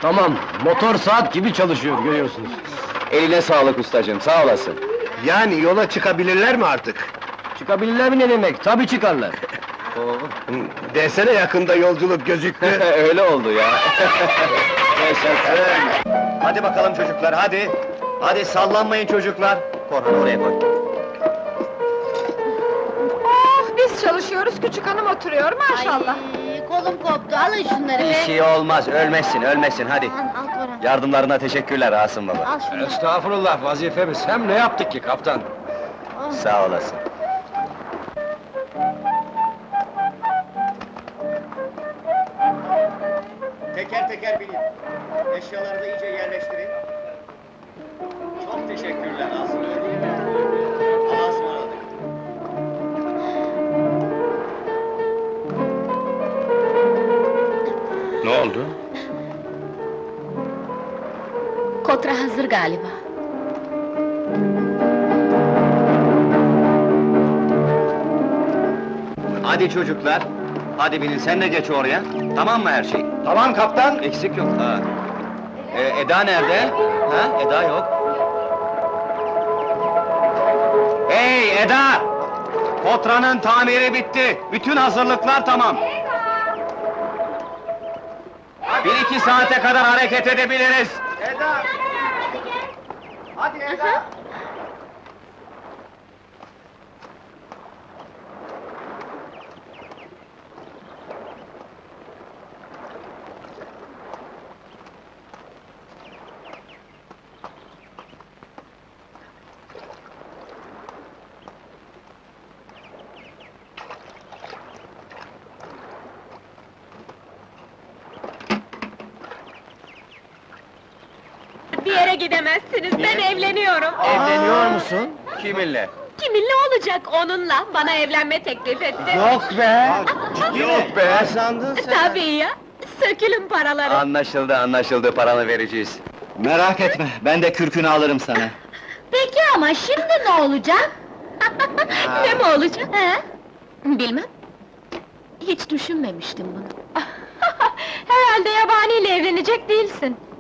Tamam, motor saat gibi çalışıyor, görüyorsunuz. Eline sağlık ustacığım, sağ olasın. Yani yola çıkabilirler mi artık? Çıkabilirler mi ne demek? Tabii çıkarlar. Desene yakında yolculuk gözüktü. Öyle oldu ya. Hadi bakalım çocuklar, hadi! Hadi sallanmayın çocuklar! Korhan oraya koy. Oh, biz çalışıyoruz, küçük hanım oturuyor maşallah. Ay, kolum koptu, alın şunları Bir be! şey olmaz, ölmezsin, ölmezsin, hadi! Al Korhan, Yardımlarına teşekkürler Asım baba. al şunu. Estağfurullah, vazifemiz. Hem ne yaptık ki kaptan? Sağ olasın. Teker teker binin. Eşyaları da iyice yerleştirin. Çok teşekkürler Asım. Allah'a ısmarladık. Ne oldu? Kotra hazır galiba. Hadi çocuklar, hadi binin, sen de geç oraya. Tamam mı her şey? Tamam kaptan! Eksik yok, ha. Eda nerede? Ha, Eda yok. Hey Eda! Kotra'nın tamiri bitti, bütün hazırlıklar tamam. 1-2 saate kadar hareket edebiliriz. Eda! Hadi Eda! Bir yere gidemezsiniz, ben evleniyorum. Evleniyor musun? Kiminle? Kiminle olacak onunla? Bana evlenme teklif etti. Yok be! Yok be! Tabii ya, sökülün paraları. Anlaşıldı, anlaşıldı, paranı vereceğiz. Merak etme, ben de kürkünü alırım sana. Peki ama şimdi ne olacak? Ne mi olacak? He? Bilmem. Hiç düşünmemiştim bunu. Herhalde yabaniyle evlenecek değilsin.